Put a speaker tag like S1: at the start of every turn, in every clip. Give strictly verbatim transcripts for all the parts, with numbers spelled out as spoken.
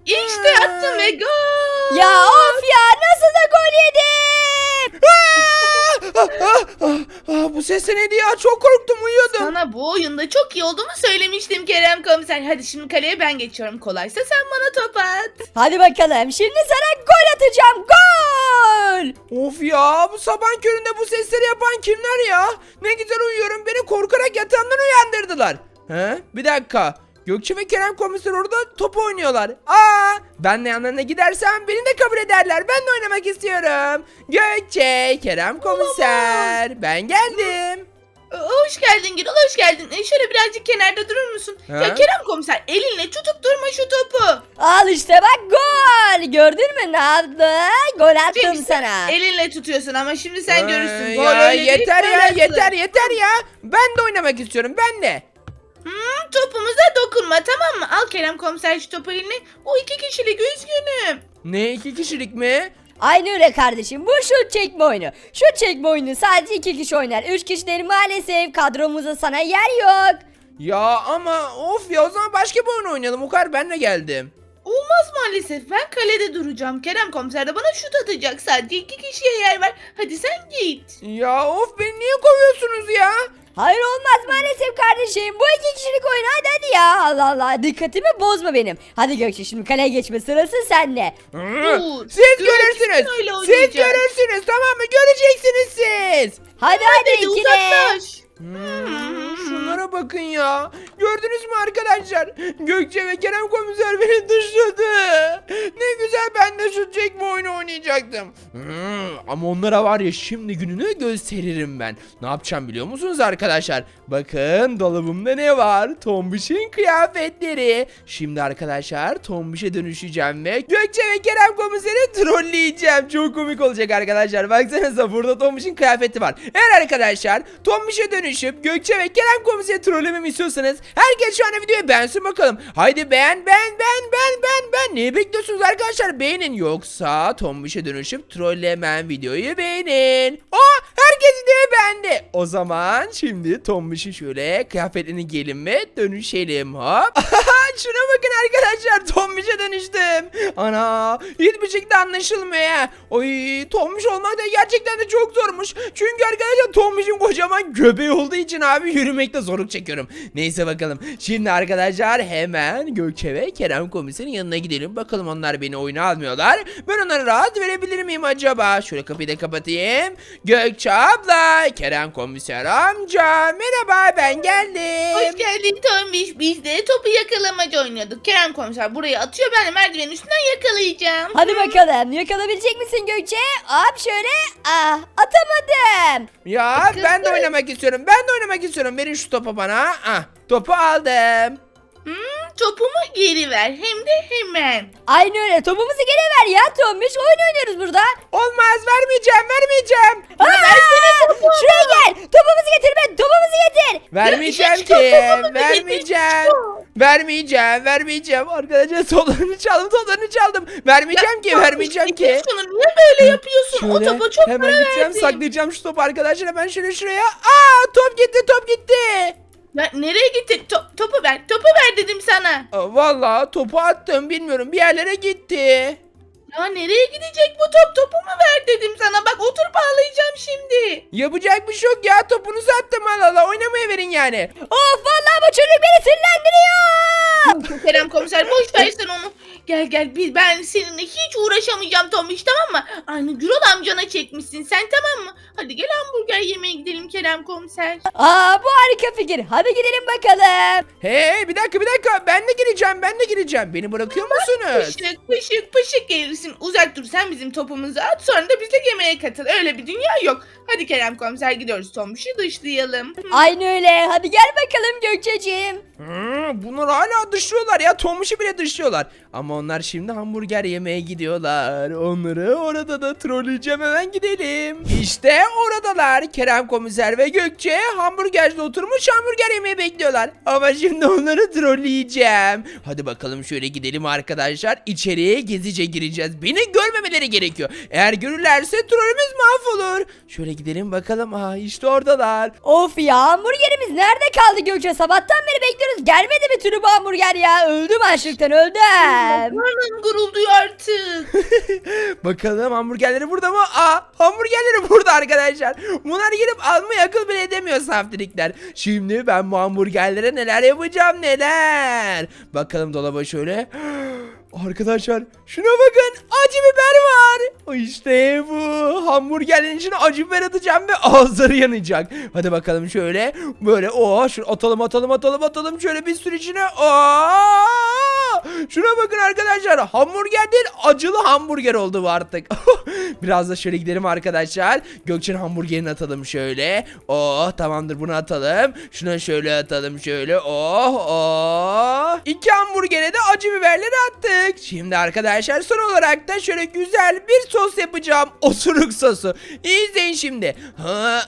S1: İşte attım ve gol.
S2: Ya of ya, nasıl da gol yedim.
S3: Ah, ah, ah, ah, bu ses de neydi ya? Çok korktum, uyuyordum.
S1: Sana bu oyunda çok iyi olduğumu söylemiştim Kerem komiser. Hadi şimdi kaleye ben geçiyorum. Kolaysa sen bana top at.
S2: Hadi bakalım, şimdi sana gol atacağım, gol.
S3: Of ya, bu sabah köründe bu sesleri yapan kimler ya? Ne güzel uyuyorum, beni korkarak yatağımdan uyandırdılar. He? Bir dakika. Gökçe ve Kerem komiser orada top oynuyorlar. Aa, ben de yanlarına gidersem beni de kabul ederler. Ben de oynamak istiyorum. Gökçe, Kerem komiser, ben geldim.
S1: Ee, Hoş geldin Gürol, hoş geldin. Ee, şöyle birazcık kenarda durur musun?
S3: He?
S1: Ya Kerem komiser, elinle tutup durma şu topu.
S2: Al işte bak, gol. Gördün mü ne yaptı? Gol attım
S1: Çünkü sen
S2: sana.
S1: elinle tutuyorsun ama şimdi sen
S3: Ee,
S1: görürsün. Gol
S3: ya
S1: öyle değil,
S3: yeter ya,
S1: koyarsın.
S3: yeter yeter ya. Ben de oynamak istiyorum, ben de.
S1: Hmm, topumuza dokunma, tamam mı? Al Kerem komiser şu topu eline. Bu iki kişilik, üzgünüm.
S3: Ne, iki kişilik mi?
S2: Aynı öyle kardeşim, bu şut çekme oyunu. Şut çekme oyunu sadece iki kişi oynar. Üç kişileri maalesef kadromuzda sana yer yok.
S3: Ya ama of ya, o zaman başka bir oyun oynayalım. O kadar, ben de geldim.
S1: Olmaz maalesef. Ben kalede duracağım. Kerem komiser de bana şut atacak. Sadece iki kişiye yer var. Hadi sen git.
S3: Ya of, beni niye kovuyorsunuz ya?
S2: Hayır, olmaz maalesef kardeşim. Bu iki kişilik oyun, hadi hadi ya. Allah Allah, dikkatimi bozma benim. Hadi Gökçe, şimdi kaleye geçme sırası sende.
S3: Hı,
S1: Dur.
S3: Siz
S1: Dur,
S3: görürsünüz.
S1: kim öyle
S3: Siz
S1: oynayacak?
S3: görürsünüz, tamam mı? Göreceksiniz siz.
S2: Hadi hadi,
S1: Hadi
S2: ikili.
S1: uzaklaş.
S3: Hmm, şunlara bakın ya. Gördünüz mü arkadaşlar? Gökçe ve Kerem komiser beni dışladı. Ne güzel, ben de şu çekme oyunu oynayacaktım. Hmm, ama onlara var ya, şimdi gününü gösteririm ben. Ne yapacağım biliyor musunuz arkadaşlar? Bakın dolabımda ne var? Tombiş'in kıyafetleri. Şimdi arkadaşlar Tombiş'e dönüşeceğim ve Gökçe ve Kerem komiseri trolleyeceğim. Çok komik olacak arkadaşlar. Baksanıza, burada Tombiş'in kıyafeti var. Eğer arkadaşlar Tombiş'e dönüşüp Gökçe ve Kerem komiseri trollememi istiyorsanız herkes şu anda videoyu beğensin bakalım. Haydi beğen beğen beğen beğen beğen beğen. Neyi bekliyorsunuz arkadaşlar? Beğenin, yoksa Tombiş'e dönüşüp trollemem videoyu beğenin. Aa, herkes videoyu beğendi. O zaman şimdi Tombiş'in şöyle kıyafetlerini giyelim ve dönüşelim. Hop. Şuna bakın arkadaşlar, Tombiş'e dönüştüm. Ana, hiçbir şekilde anlaşılmıyor ya. Oy, Tombiş olmak da gerçekten de çok zormuş. Çünkü arkadaşlar Tombiş'in kocaman göbeği olduğu için abi yürümekte zorluk çekiyorum. Neyse bakalım. Şimdi arkadaşlar hemen Gökçe ve Kerem komiserin yanına gidelim. Bakalım onlar beni oyuna almıyorlar. Ben onlara rahat verebilir miyim acaba? Şöyle kapıyı da kapatayım. Gökçe abla, Kerem komiser amca, merhaba, ben geldim.
S1: Hoş geldin Tombiş. Biz de topu yakalamaca oynuyorduk. Kerem komiser buraya atıyor. Ben de merdivenin üstünden yakalayacağım.
S2: Hadi bakalım, yakalayabilecek misin Gökçe? Hop şöyle, ah atamadım.
S3: Ya
S1: Kız
S3: ben de
S1: kız.
S3: oynamak istiyorum. Ben de oynamak istiyorum. Verin şu topu bana. Ah, topu aldım.
S1: Hmm, topumu geri ver. Hem de hemen.
S2: Aynı öyle, topumuzu geri ver ya Tombiş, oyun oynuyoruz burada.
S3: Olmaz, vermeyeceğim, vermeyeceğim.
S2: Aa, şuraya gel, topumuzu getir be, topumuzu getir.
S3: Vermeyeceğim
S1: hiç
S3: ki.
S1: topumu da
S3: Vermeyeceğim. Vermeyeceğim, vermeyeceğim. Arkadaşlar toplarını çaldım, toplarını çaldım. Vermeyeceğim ki, vermeyeceğim ki.
S1: Şunu niye böyle yapıyorsun? O
S3: Şöyle
S1: topa çok
S3: hemen
S1: para
S3: gideceğim,
S1: verdim.
S3: saklayacağım şu topu arkadaşlar. Hemen şöyle şuraya. Aa, top gitti, top gitti.
S1: Ya nereye gitti? To- topu ver. Topu ver dedim sana.
S3: Aa, vallahi topu attım, bilmiyorum, bir yerlere gitti.
S1: Ya nereye gidecek bu top? Topumu ver dedim sana. Bak oturup ağlayacağım şimdi.
S3: Yapacak bir şey yok ya, topunuzu attım, Allah Allah, oynamaya verin yani.
S2: Of vallahi bu çocuk beni sinirlendiriyor.
S1: Kerem komiser boş versen onu. Gel gel biz ben seninle hiç uğraşamayacağım Tomiş, tamam mı? Aynı Gürol amcana çekmişsin sen, tamam mı? Hadi gel hamburger yemeye gidelim Kerem komiser.
S2: Aa, bu harika fikir, hadi gidelim bakalım.
S3: Hey, bir dakika bir dakika, ben de gireceğim, ben de gireceğim. Beni bırakıyor musunuz?
S1: Pışık pışık pışık gelirsin. Uzak dur, sen bizim topumuzu at, sonra da bizle yemeğe katıl. Öyle bir dünya yok. Hadi Kerem komiser, gidiyoruz Tomiş'i dışlayalım.
S2: Aynı öyle, hadi gel bakalım Gökçeciğim.
S3: Hmm, bunlar hala dışlıyorlar ya, Tomuş'u bile dışlıyorlar. Ama onlar şimdi hamburger yemeye gidiyorlar. Onları orada da trolleyeceğim, hemen gidelim. İşte oradalar, Kerem komiser ve Gökçe hamburgerde oturmuş hamburger yemeyi bekliyorlar. Ama şimdi onları trolleyeceğim. Hadi bakalım, şöyle gidelim arkadaşlar. İçeriye gezice gireceğiz. Beni görmemeleri gerekiyor. Eğer görürlerse trollümüz mahvolur. Şöyle gidelim bakalım. Aa, işte oradalar.
S2: Of ya, hamburgerimiz nerede kaldı Gökçe? Sabahtan beri bekliyoruz, gelmedi bir türlü bu hamburger ya. Öldüm açlıktan öldüm.
S1: Karnım gurulduyor artık.
S3: Bakalım hamburgerleri burada mı? Aa, hamburgerleri burada arkadaşlar. Bunlar gelip almayı akıl bile edemiyor saftirikler. Şimdi ben bu hamburgerlere neler yapacağım neler. Bakalım dolaba şöyle. Arkadaşlar şuna bakın, acı biber var. İşte bu hamburgerlerin içine acı biber atacağım ve ağızları yanacak. Hadi bakalım şöyle böyle o şu atalım atalım atalım atalım şöyle bir sürü içine. Aa! Şuna bakın arkadaşlar, hamburger değil acılı hamburger oldu bu artık. Biraz da şöyle gidelim arkadaşlar. Gökçe'nin hamburgerini atalım şöyle. Oh tamamdır, bunu atalım. Şuna şöyle atalım şöyle. Oh oh. İki hamburgere de acı biberleri attık. Şimdi arkadaşlar son olarak da şöyle güzel bir sos yapacağım. Osuruk sosu. İyi izleyin şimdi. Ha,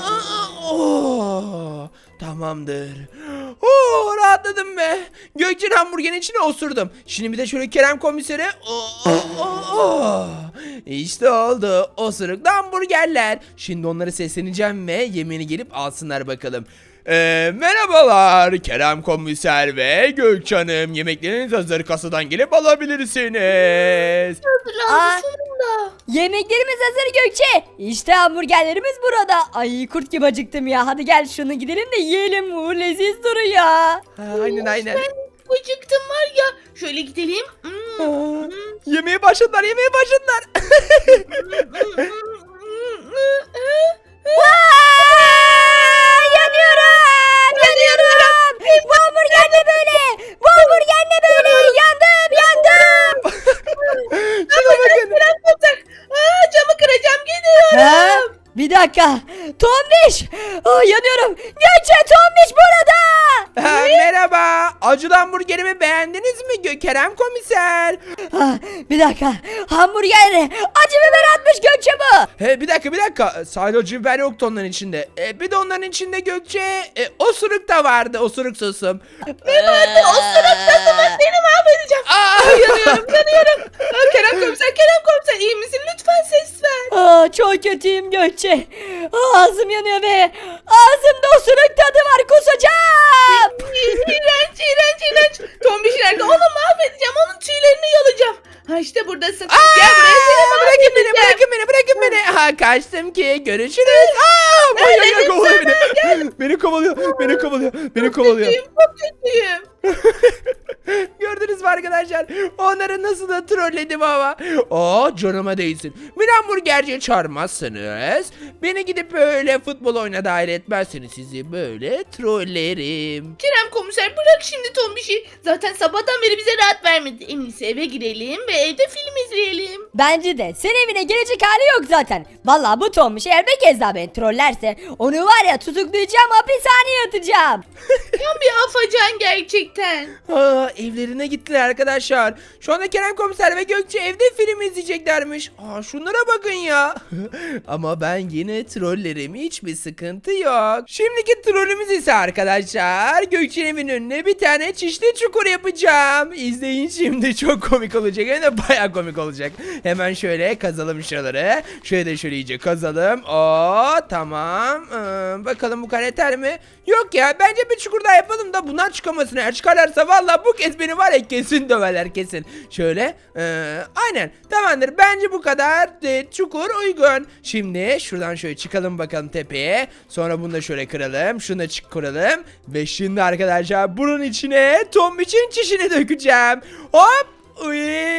S3: oh, tamamdır. Oh, rahatladım be. Gökçe'nin hamburgerin içine osurdum. Şimdi bir de şöyle Kerem komisere. Oh, oh, oh. İşte oldu. Osuruklu hamburgerler. Şimdi onlara sesleneceğim ve yemeğini gelip alsınlar bakalım. Ee, merhabalar Kerem komiser ve Gökçe Hanım, yemekleriniz hazır, kasadan gelip alabilirsiniz.
S2: Aa.
S1: Hazır sonunda.
S2: Yemeklerimiz hazır Gökçe. İşte hamburgerlerimiz burada. Ay kurt gibi acıktım ya. Hadi gel şunu gidelim de yiyelim. Bu leziz duruyor.
S3: Ha, aynen aynen.
S1: Ben acıktım var ya. Şöyle gidelim. Hmm.
S3: Aa, yemeğe başladılar yemeğe başladılar.
S2: Aa, yanıyorum. Yanıyorum. Bu hamburger ne böyle? Bu hamburger ne böyle? Yandım yandım.
S3: Şuna bakın.
S1: Aa, camı kıracağım, gidiyorum.
S2: Ha? Bir dakika. Tombiş. Aa, yanıyorum. Gökçe Tombiş burada.
S3: Ha, merhaba. Acılı hamburgerimi beğendiniz mi Gö- Kerem komiser?
S2: Ah, bir dakika. Hamburger acı biber atmış Gökçe bu.
S3: He, bir dakika bir dakika. Sadece acı biber yoktu onların içinde. E, bir de onların içinde Gökçe e, osuruk da vardı, osuruk sosum.
S1: Ne vardı? O sırada mı? Seni mahvedeceğim.
S3: Aa!
S1: Ay, yanıyorum, yanıyorum. Aa, Kerem komiser, Kerem komiser, iyi misin? Lütfen ses ver.
S2: Aa, çok kötüyüm Gökçe. Ağzım yanıyor ve ağzımda osuruk tadı var, kusacağım.
S1: İğrenç, iğrenç, iğrenç. Tombiş nerede? Onu mahvedeceğim. Onun tüylerini yolacağım. Ha işte buradasın.
S3: Aa!
S1: Gel buraya, seni
S3: Bırakın beni,
S1: mahvedeceğim.
S3: bırakın beni, bırakın beni. Ha, kaçtım ki. Görüşürüz. Aa! Ay, ay, ay, kovalıyor beni. Beni kovalıyor, beni kovalıyor, beni kovalıyor.
S1: Kötüyüm, çok kötüyüm.
S3: Gördünüz mü arkadaşlar? Onları nasıl da trolledim ama. Aa, canıma değsin. Bir hamburgerciye çağırmazsınız. Beni gidip böyle futbol oyuna dahil etmezseniz sizi böyle trollerim.
S1: Kerem komiser, bırak şimdi Tombiş'i. Zaten sabahtan beri bize rahat vermedi. En iyisi eve girelim ve evde film izleyelim.
S2: Bence de senin evine gelecek hali yok zaten. Vallahi bu Tombiş eğer bir kez daha beni trollerse onu var ya tutuklayacağım, hapishaneye atacağım.
S1: Tam bir afacan gerçekten.
S3: Aa, evlerine gittiler arkadaşlar. Şu anda Kerem komiser ve Gökçe evde film izleyeceklermiş. Aa, şunlara bakın ya. Ama ben yine trollerim, hiçbir sıkıntı yok. Şimdiki trollümüz ise arkadaşlar, Gökçe'nin evinin önüne bir tane çişli çukur yapacağım. İzleyin şimdi, çok komik olacak, hem de baya komik olacak. Hemen şöyle kazalım şuraları. Şöyle de şöyle iyice kazalım. Oo, tamam. Ee, bakalım bu kadar yeter mi? Yok ya, bence bir çukur daha yapalım da bunlar çıkamasın. Eğer çıkarlarsa vallahi bu kez beni var ya kesin döverler kesin. Şöyle ee, aynen tamamdır, bence bu kadar e, çukur uygun. Şimdi şuradan şöyle çıkalım bakalım tepeye. Sonra bunu da şöyle kıralım. Şunu da çık kıralım. Ve şimdi arkadaşlar bunun içine Tombiş'in çişini dökeceğim. Hop. Uy,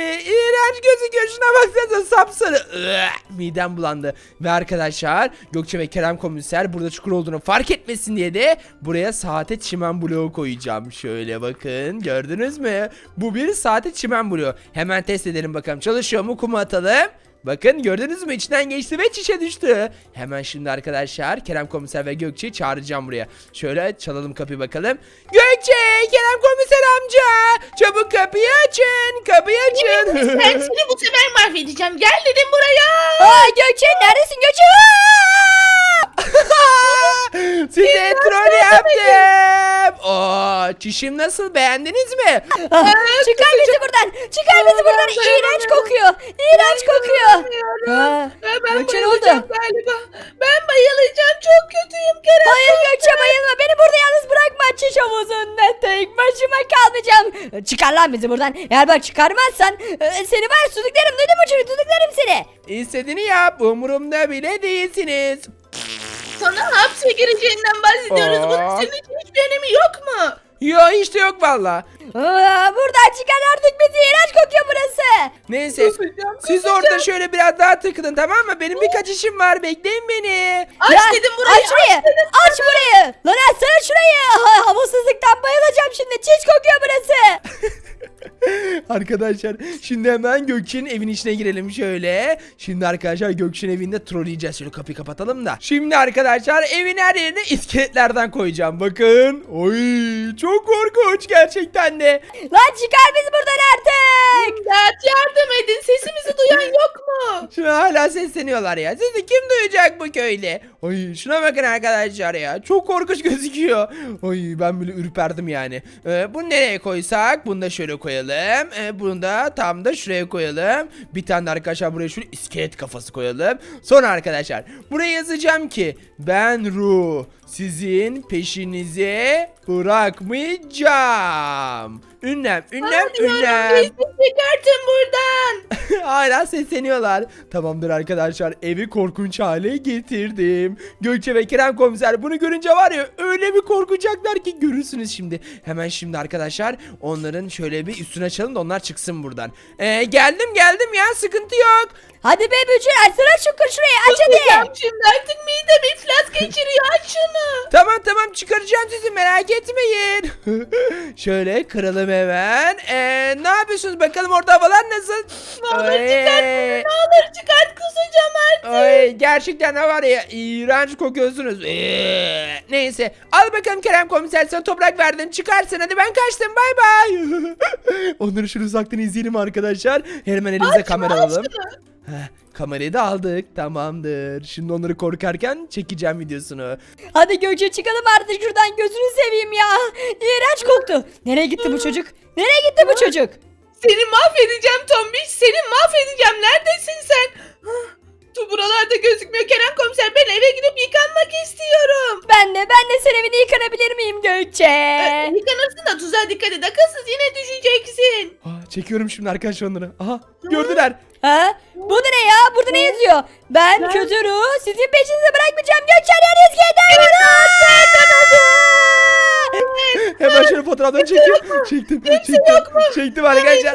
S3: iğrenç gözüküyor, şuna baksanıza, sapsarı. Iı, midem bulandı. Ve arkadaşlar Gökçe ve Kerem komiser burada çukur olduğunu fark etmesin diye de buraya saate çimen bloğu koyacağım. Şöyle bakın, gördünüz mü? Bu bir saate çimen bloğu. Hemen test edelim bakalım, çalışıyor mu, kumu atalım. Bakın gördünüz mü, içinden geçti ve çişe düştü. Hemen şimdi arkadaşlar Kerem komiser ve Gökçe'yi çağıracağım buraya. Şöyle çalalım kapıyı bakalım. Gökçe, Kerem komiser amca, çabuk kapıyı açın, kapıyı açın.
S1: Ben seni bu sefer mahvedeceğim. Gel dedim buraya.
S2: Aa, Gökçe neredesin Gökçe? Aa!
S3: Size troll yaptım. Oo, çişim nasıl, beğendiniz mi?
S2: Ah, çıkar bizi buradan. Çıkar bizi buradan. İğrenç kokuyor. İğrenç kokuyor. Ha,
S1: Ha, ben
S2: Gökçe ne
S1: bayılacağım
S2: oldu?
S1: galiba. Ben bayılacağım. Çok kötüyüm Kerem.
S2: Hayır Gökçe bayılma. Beni burada yalnız bırakma. Çiş havuzunda tek başıma kalmayacağım. Çıkar lan bizi buradan. Eğer bak çıkarmazsan e, seni var tutuklarım. Duydun mu çocuk? Tutuklarım seni.
S3: İstediğini yap, umurumda bile değilsiniz.
S1: Sana hapse gireceğinden bahsediyoruz.
S3: Aa.
S1: Bunun senin için hiçbir önemi yok mu?
S3: Yo, işte yok valla.
S2: Aa, buradan çıkar artık bizi. İğrenç kokuyor burası.
S3: Neyse,
S1: Kusacağım,
S3: siz orada şöyle biraz daha takılın, tamam mı? Benim birkaç işim var, bekleyin beni.
S1: Aç
S2: Ya,
S1: dedim burayı.
S2: Aç şurayı. Aç burayı. Lan açsana şurayı. Ha, havasızlıktan bayılacağım şimdi. Çiş kokuyor burası.
S3: Arkadaşlar şimdi hemen Gökçe'nin evin içine girelim şöyle. Şimdi arkadaşlar Gökçe'nin evinde trolleyeceğiz. Şöyle kapıyı kapatalım da. Şimdi arkadaşlar evin her yerine iskeletlerden koyacağım. Bakın. Oy, çok korkunç gerçekten de.
S2: Lan çıkar bizi buradan artık.
S1: İmdat, yardım edin. Sesimizi duyan yok mu?
S3: Şuna hala sesleniyorlar ya. Sizi kim duyacak bu köyde? Oy, şuna bakın arkadaşlar ya. Çok korkunç gözüküyor. Oy, ben bile ürperdim yani. Ee, bunu nereye koysak? Bunu da şöyle koyalım. Ee, bunu da tam da şuraya koyalım. Bir tane de arkadaşlar buraya şöyle iskelet kafası koyalım. Sonra arkadaşlar buraya yazacağım ki ben Ru sizin peşinize bırakmayacağım. Ünlem, ünlem, ünlem.
S1: Bizi çıkartın buradan.
S3: Hala sesleniyorlar. Tamamdır arkadaşlar, evi korkunç hale getirdim. Gökçe ve Kerem komiser bunu görünce var ya, öyle bir korkacaklar ki görürsünüz şimdi. Hemen şimdi arkadaşlar onların şöyle bir üstüne açalım da onlar çıksın buradan. Ee, geldim geldim ya, sıkıntı yok.
S2: Hadi be bücür açsana şu şurayı aç
S1: Kusacağım
S2: hadi.
S1: şimdi, artık midem iflas geçiriyor. Aç şunu.
S3: Tamam tamam, çıkaracağım sizi, merak etmeyin. Şöyle kıralım hemen. Ee, ne yapıyorsunuz bakalım, orada havalar nasıl?
S1: Ne olur
S3: Ay.
S1: çıkart bizi, ne olur çıkart, kusacağım artık.
S3: Ay, gerçekten ne var ya, iğrenç kokuyorsunuz. Ee, neyse, al bakalım Kerem komiser, sana toprak verdim, çıkarsın, hadi ben kaçtım, bay bay. Onları şöyle uzaktan izleyelim arkadaşlar. Hemen elimize kamera alalım. Heh, kamerayı da aldık, tamamdır. Şimdi onları korkarken çekeceğim videosunu.
S2: Hadi Gökçe çıkalım artık şuradan gözünü seveyim ya. İğrenç koktu. Nereye gitti bu çocuk? Nereye gitti bu çocuk?
S1: Seni mahvedeceğim Tombiş. Seni mahvedeceğim. Neredesin sen? Hah, Tu buralarda gözükmüyor. Kerem komiser, ben eve gidip yıkanmak istiyorum.
S2: Ben de ben de sen evini yıkanabilir miyim Gökçe?
S1: Ee, yıkanırsın da tuzağa dikkat et. Akılsız, yine düşeceksin.
S3: Aa, çekiyorum şimdi arkadaşlar onları. Aha, gördüler.
S2: Ha? Bu da ne ya? Burada ne yazıyor? Ben
S1: Ben-
S2: kötü ruh sizin peşinize bırakmayacağım. Gökçe nereye gider?
S3: Hemen şöyle fotoğraflarını çekiyorum. Çektim, çektim, çektim arkadaşlar.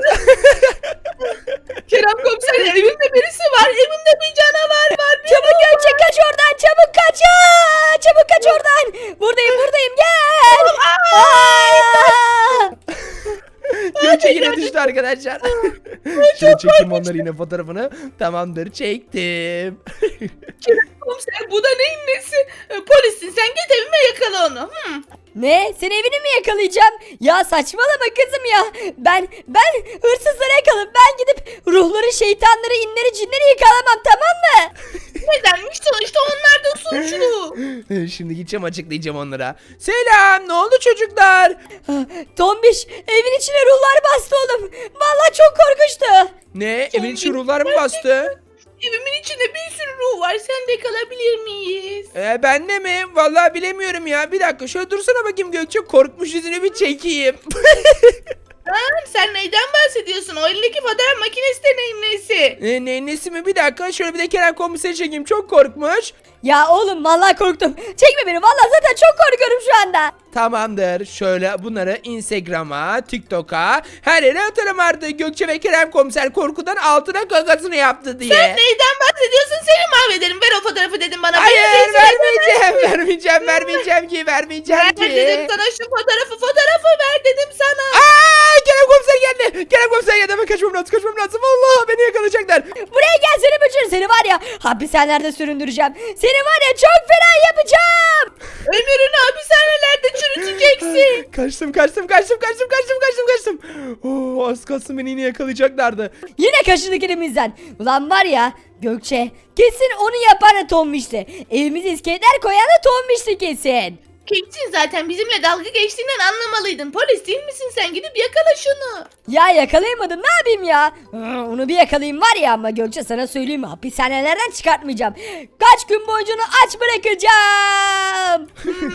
S1: Kerem komiser, evimde birisi var. Evimde bir canavar var. Bir
S2: Çabuk Gökçe kaç oradan. Çabuk kaç. Aa, çabuk kaç oradan. Buradayım buradayım gel. Aa!
S3: Gökçe yine düştü arkadaşlar. Şimdi çektim onları yine fotoğrafını. Tamamdır, çektim.
S1: Kerem komiser, bu da neyin nesi? Ee, Polissin sen, git evime yakala onu. Hmm.
S2: Ne? Sen evini mi yakalayacağım? Ya saçmalama kızım ya. Ben ben hırsızları yakalarım. Ben gidip ruhları, şeytanları, inleri, cinleri yakalamam, tamam mı?
S1: Nedenmiş, sonuçta onlar da suçlu.
S3: Şimdi gideceğim, açıklayacağım onlara. Selam, ne oldu çocuklar?
S2: Tombiş evin içine ruhlar bastı oğlum. Vallahi çok korkunçtu.
S3: Ne? Evin içi ruhlar mı bastı?
S1: Evimin içinde bir sürü ruh var. Sen de kalabilir miyiz?
S3: Ee, ben de mi? Vallahi bilemiyorum ya. Bir dakika şöyle dursana bakayım Gökçe. Korkmuş yüzünü bir çekeyim.
S1: Ha, sen neyden bahsediyorsun? O elindeki fotoğraf makinesi de neyin nesi?
S3: ee, ne, nesi mi? Bir dakika şöyle bir de Kerem komiseri çekeyim. Çok korkmuş.
S2: Ya oğlum vallahi korktum. Çekme beni, vallahi zaten çok korkuyorum şu anda.
S3: Tamamdır. Şöyle bunları Instagram'a, TikTok'a, her yere atarım artık. Gökçe ve Kerem komiser korkudan altına gagasını yaptı diye.
S1: Sen neyden bahsediyorsun? Seni mahvederim. Ver o fotoğrafı dedim bana.
S3: Hayır,
S1: Beni rezil
S3: vermeyeceğim, vermeyeceğim, vermeyeceğim ki, vermeyeceğim
S1: Ver
S3: ki.
S1: dedim sana şu fotoğrafı. Fotoğrafı ver dedim sana.
S3: Aa, Kerem komiser geldi. Kerem komiser geldi. Hemen kaçmam lazım, kaçmam lazım. Allah, beni yakalayacaklar.
S2: Buraya gel seni bücür, seni var ya hapishanelerde süründüreceğim. Seni var ya çok fena yapacağım.
S1: Ömrünü hapishanelerde çürüteceksin.
S3: Kaçtım, kaçtım, kaçtım, kaçtım, kaçtım, kaçtım, kaçtım. Oo, az kalsın beni yine yakalayacaklardı.
S2: Yine kaçırdık elimizden. Ulan var ya Gökçe kesin onu yapan da Tombiş'ti. Evimize iskeletler koyan da Tombiş'ti kesin.
S1: Kesin zaten bizimle dalga geçtiğinden anlamalıydın. Polis değil misin sen? Gidip yakala şunu.
S2: Ya yakalayamadım ne yapayım ya? Hı, onu bir yakalayayım var ya ama Gökçe sana söyleyeyim mi? Hapishanelerden çıkartmayacağım. Kaç gün boyunca onu aç bırakacağım.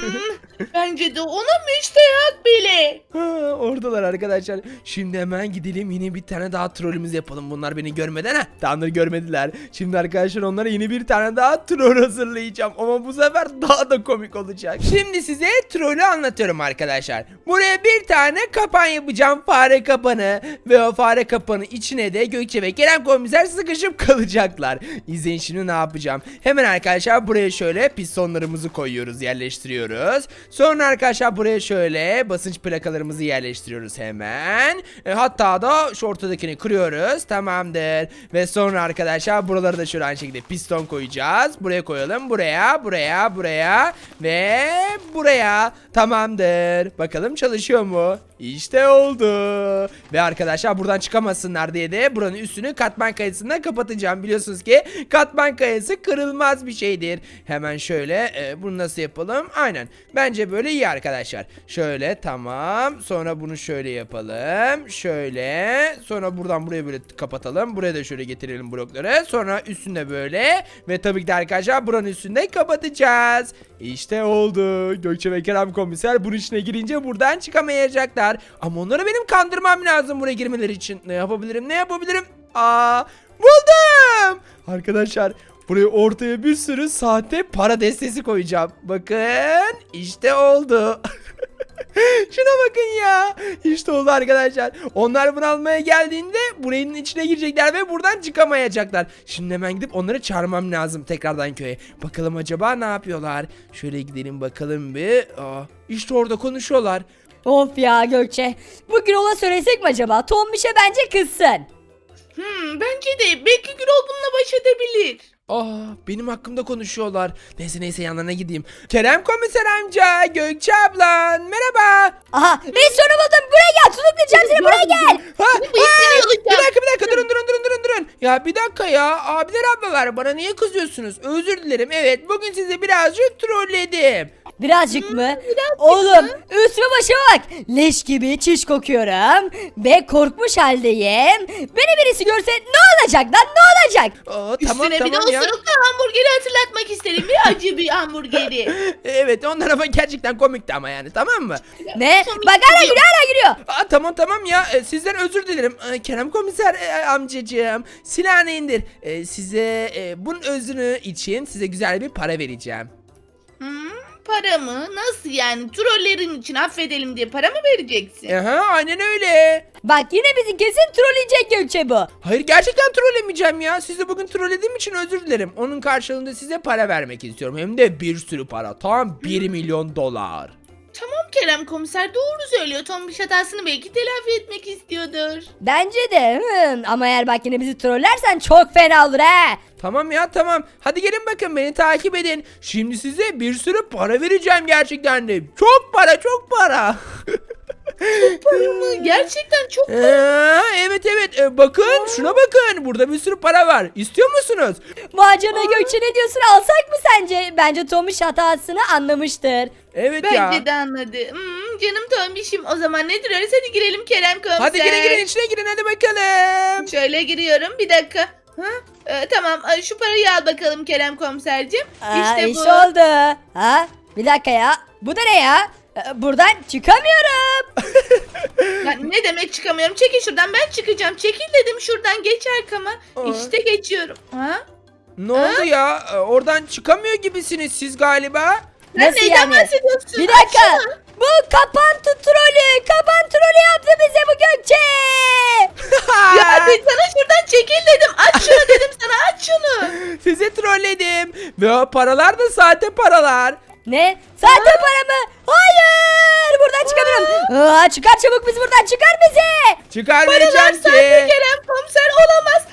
S1: Bence de ona müstehak bile.
S3: Ha, oradalar arkadaşlar. Şimdi hemen gidelim yine bir tane daha trollümüz yapalım. Bunlar beni görmeden ha. Tanrı görmediler. Şimdi arkadaşlar onlara yeni bir tane daha troll hazırlayacağım. Ama bu sefer daha da komik olacak. Şimdi size trollü anlatıyorum arkadaşlar. Buraya bir tane kapan yapacağım. Fare kapanı. Ve o fare kapanı içine de Gökçe ve Kerem komiser sıkışıp kalacaklar. İzleyin şimdi ne yapacağım. Hemen arkadaşlar buraya şöyle pistonlarımızı koyuyoruz. Yerleştiriyoruz. Sonra arkadaşlar buraya şöyle basınç plakalarımızı yerleştiriyoruz hemen. E, hatta da şu ortadakini kırıyoruz. Tamamdır. Ve sonra arkadaşlar buraları da şöyle aynı şekilde piston koyacağız. Buraya koyalım. Buraya, buraya, buraya ve buraya. Tamamdır. Bakalım çalışıyor mu? İşte oldu. Ve arkadaşlar buradan çıkamasınlar diye de buranın üstünü katman kayasından kapatacağım. Biliyorsunuz ki katman kayası kırılmaz bir şeydir. Hemen şöyle e, bunu nasıl yapalım? Aynen. Bence böyle iyi arkadaşlar. Şöyle tamam. Sonra bunu şöyle yapalım. Şöyle. Sonra buradan buraya böyle kapatalım. Buraya da şöyle getirelim blokları. Sonra üstünde böyle. Ve tabii ki de arkadaşlar buranın üstünde kapatacağız. İşte oldu. Gökçe ve Kerem komiser bunun içine girince buradan çıkamayacaklar. Ama onları benim kandırmam lazım buraya girmeleri için. Ne yapabilirim? Ne yapabilirim? Aa, buldum. Arkadaşlar buraya ortaya bir sürü sahte para destesi koyacağım. Bakın işte oldu. Şuna bakın ya. İşte oldu arkadaşlar. Onlar bunu almaya geldiğinde buranın içine girecekler ve buradan çıkamayacaklar. Şimdi hemen gidip onları çağırmam lazım tekrardan köye. Bakalım acaba ne yapıyorlar? Şöyle gidelim bakalım bir. Aa, işte orada konuşuyorlar.
S2: Of ya Gökçe. Bugün ona söylesek mi acaba? Tombiş'e bence kızsın.
S1: Hmm, bence de. Belki Gürol bununla baş edebilir.
S3: Aa, benim hakkımda konuşuyorlar. Neyse neyse yanlarına gideyim. Kerem komiser amca, Gökçe ablan, merhaba.
S2: Aha ben sonra buldum. Buraya gel. Tutuklayacağım seni buraya gel.
S3: Ha,
S1: Bu işini
S3: ha,
S1: yolacağım.
S3: bir dakika bir dakika durun durun durun durun durun. Ya bir dakika ya abiler ablalar bana niye kızıyorsunuz? Özür dilerim. Evet bugün sizi birazcık trolledim.
S2: Birazcık mı? Oğlum üstüme başıma bak. Leş gibi çiş kokuyorum. Ve korkmuş haldeyim. Beni birisi görse ne olacak lan ne olacak?
S3: Aa,
S1: Üstüne
S3: tamam
S1: bir de
S3: tamam ya.
S1: osuruklu hamburgeri hatırlatmak isterim. Bir acı bir hamburgeri.
S3: Evet onlar ama gerçekten komikti ama yani tamam mı?
S2: Ne?
S1: Komik
S2: Bak hala
S1: geliyor.
S2: gülüyor hala gülüyor.
S3: Aa, tamam tamam ya e, sizden özür dilerim. E, Kerem komiser e, amcacığım silahını indir. E, size e, bunun özrü için size güzel bir para vereceğim.
S1: Hmm, para mı? Nasıl yani? Trollerin için affedelim diye para mı vereceksin?
S3: Aha aynen öyle.
S2: Bak yine bizi kesin trolleyecek Gökçe bu.
S3: Hayır gerçekten trollemeyeceğim ya. Sizi bugün trollediğim için özür dilerim. Onun karşılığında size para vermek istiyorum. Hem de bir sürü para. Tam bir milyon dolar.
S1: Tamam Kerem komiser doğru söylüyor. Tombiş hatasını belki telafi etmek istiyordur.
S2: Bence de. Hı. Ama eğer bak yine bizi trollersen çok fena olur ha.
S3: Tamam ya tamam. Hadi gelin bakın beni takip edin. Şimdi size bir sürü para vereceğim gerçekten de. Çok para çok para.
S1: Para mı? Gerçekten çok para.
S3: Ee, evet evet Ee, bakın şuna bakın burada bir sürü para var istiyor musunuz?
S2: Macana Gökçe ne diyorsun alsak mı sence? Bence Tomuş hatasını anlamıştır.
S3: Evet ya.
S1: Bence de anladı. Hmm, canım Tombiş'im. O zaman ne duruyoruz? Hadi girelim Kerem komiser.
S3: Hadi girin girin içine girin hadi bakalım.
S1: Şöyle giriyorum. Bir dakika. Ha? Ee, tamam. Ee, Şu parayı al bakalım Kerem komiserciğim.
S2: Aa,
S1: işte
S2: iş
S1: bu.
S2: oldu. Ha? Bir dakika ya. Bu da ne ya? Ee, Buradan çıkamıyorum.
S1: Ya ne demek çıkamıyorum? Çekil şuradan. Ben çıkacağım. Çekil dedim şuradan. Geç arkama.
S3: Aa.
S1: İşte geçiyorum. Ha?
S3: Ne oldu ya? Ee, Oradan çıkamıyor gibisiniz siz galiba.
S1: Sen
S2: Nasıl
S1: neyden
S2: yani?
S1: bahsediyorsun?
S2: Bir dakika.
S1: Açsana.
S2: Bu kapan trolü. Kapan trolü yaptı bize bu Gökçe.
S1: Ya hadi sana şuradan çekil dedim. Aç şunu dedim sana. Aç şunu.
S3: Sizi trolledim. Ve o paralar da sahte paralar.
S2: Ne? Sahte para mı? Hayır. Buradan çıkamıyorum. Aa, çıkar çabuk bizi buradan. Çıkar bizi.
S3: Çıkarmayacağım
S1: Paralar
S3: ki.
S1: sahte Kerem komiser olamaz.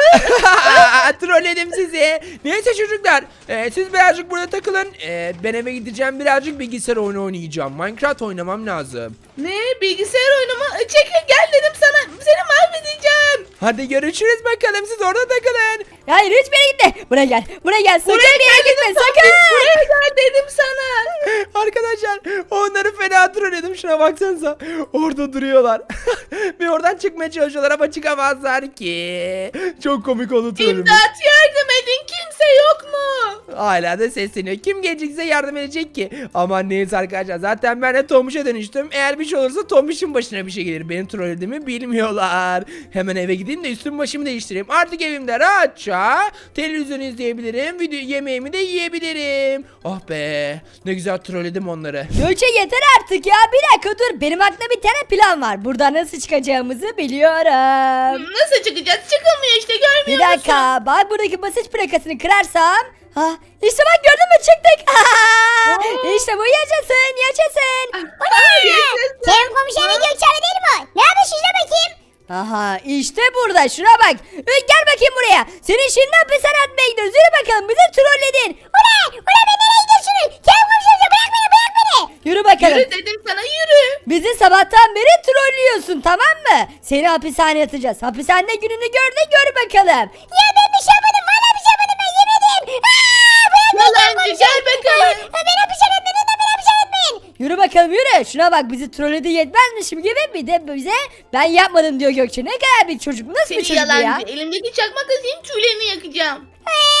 S3: Trolledim sizi. Neyse çocuklar. e, siz birazcık burada takılın. E, ben eve gideceğim birazcık bilgisayar oyunu oynayacağım. Minecraft oynamam lazım.
S1: Ne? Bilgisayar oyunu mu? Çekil gel dedim sana. Seni mahvedeceğim.
S3: Hadi görüşürüz bakalım siz orada takılın.
S2: Hayır hiçbir yere gitme. Buraya gel. Buraya gel. Sakın
S1: Buraya
S2: bir yere
S1: gel
S2: gitme.
S1: dedim
S2: Sakın.
S1: Tombiş, buraya gel dedim sana.
S3: Arkadaşlar onları fena trolledim, şuna baksanıza. Orada duruyorlar. Ve oradan çıkmaya çalışıyorlar ama çıkamazlar ki. Çok komik oldu trollümüz.
S1: İmdat, yardım edin, kimse yok mu?
S3: Hala da sesleniyor. Kim gelecekse yardım edecek ki. Aman neyse arkadaşlar. Zaten ben de Tombiş'e dönüştüm. Eğer bir şey olursa Tombiş'in başına bir şey gelir. Benim trollediğimi bilmiyorlar. Hemen eve gideyim de üstüm başımı değiştireyim. Artık evimde rahatça televizyon izleyebilirim. Video yemeğimi de yiyebilirim. Oh be. Ne güzel trolledim onları.
S2: Gökçe yeter artık ya. Bir dakika dur. Benim aklımda bir tane plan var. Buradan nasıl çıkacağımızı biliyorum.
S1: Nasıl çıkacağız? Çıkılmıyor işte, görmüyor
S2: Bir
S1: musun?
S2: dakika. Bak buradaki basınç plakasını kırarsam. Ha, işte bak gördün mü çıktık. İşte bu yaşasın yaşasın.
S1: Yaşasın.
S4: Kerem komiserin Gökçen'e değil mi o? Ne yapmış şuna bakayım?
S2: Aha işte burada şuna bak. Ee, Gel bakayım buraya. Senin şimdi hapishane atmaya gidiyoruz. Yürü bakalım bizi trolledin.
S4: Ula! Ula ben nereye gidiyorsunuz? Kerem komiserin bırak beni bırak beni.
S2: Yürü bakalım.
S1: Yürü dedim sana, yürü.
S2: Bizi sabahtan beri trollüyorsun tamam mı? Seni hapishaneye atacağız. Hapishanede gününü gör de gör bakalım.
S4: Ya ben bir şey yapmadım. Valla bir şey yapmadım ben yemin ederim. Aaa! Bırak beni Kerem
S1: Yalancı, gel bakalım.
S4: Ha, beni hapishane etmeyin de beni hapishane etmeyin.
S2: Yürü bakalım yürü. Şuna bak bizi trolledi yetmezmişim gibi bir de bize ben yapmadım diyor Gökçe. Ne kadar bir çocuk. Nasıl bir
S1: Seni
S2: çocuk bu ya?
S1: yalancı. Elimdeki çakmak azayım, tüylerini yakacağım.
S4: Eee